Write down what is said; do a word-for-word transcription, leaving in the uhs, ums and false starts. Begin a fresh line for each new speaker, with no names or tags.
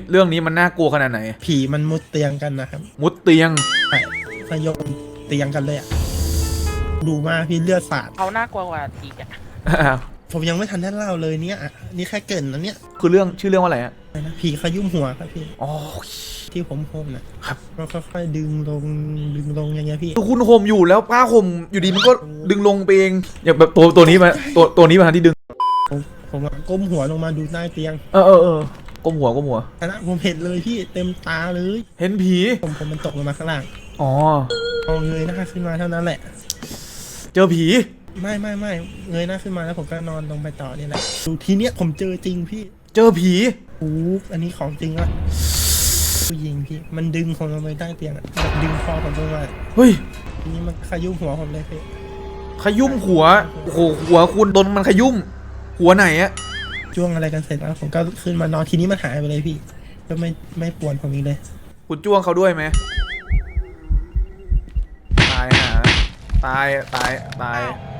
เรื่องนี้มันน่ากลัวขนาดไหน
ผีมันมุดเตียงกันนะครับ
มุดเตียง
ใช่สยบเตียงกันเลยอะดูมาพี่เลือดสาด
เขาน่ากลัวกว่าอีกอะ
ผมยังไม่ทันได้เล่าเลยเนี่ยนี่แค่เกินนะเนี่ย
คือเรื่องชื่อเรื่องว่าอะไรอะ
ผีขยุ่มหัวครับพี่
อ๋อ
ที่ผมโฮมนะครับก็ค่อยๆดึงลงดึงลงอย่างเงี้ยพี่
คุณโฮมอยู่แล้วผ้าห่มอยู่ดีมันก็ดึงลงไปเองอย่างแบบตัวตัวนี้มาตัวตัวนี้มาที่ดึง
ผมผมก้มหัวลงมาดูใต้เตียง
เออเออเออก้มหัวก้มหัว
นะผมเห็นเลยพี่เต็มตาเลย
เห็นผี
ผมผมมันตกลงมาข้างล่าง
อ๋อ
พอเงยหน้าขึ้นมาเท่านั้นแหละ
เจอผี
ไม่ไม่ไม่เงยหน้าขึ้นมาแล้วผมก็นอนลงไปต่อนี่แหละดูทีเนี้ยผมเจอจริงพี่
เจอผี
โอ้อันนี้ของจริงละผู้หญิงพี่มันดึงผมลงไปใต้เตียงแบบดึงคอผมลงมา
เฮ้ย
ทีนี้มันขยุ่มหัวผมเลยพี่
ขยุ่มหัวโอ้โหหัวคุณโดนมันขยุ่มหัวไหนอะ
จ้วงอะไรกันเสร็จแล้วผมก็ขึ้นมานอนทีนี้มันหายไปเลยพี่ก็ไม่ไม่ปวดผมอีกเลย
คุณจ้วงเขาด้วยไหมตายฮะตายตายตาย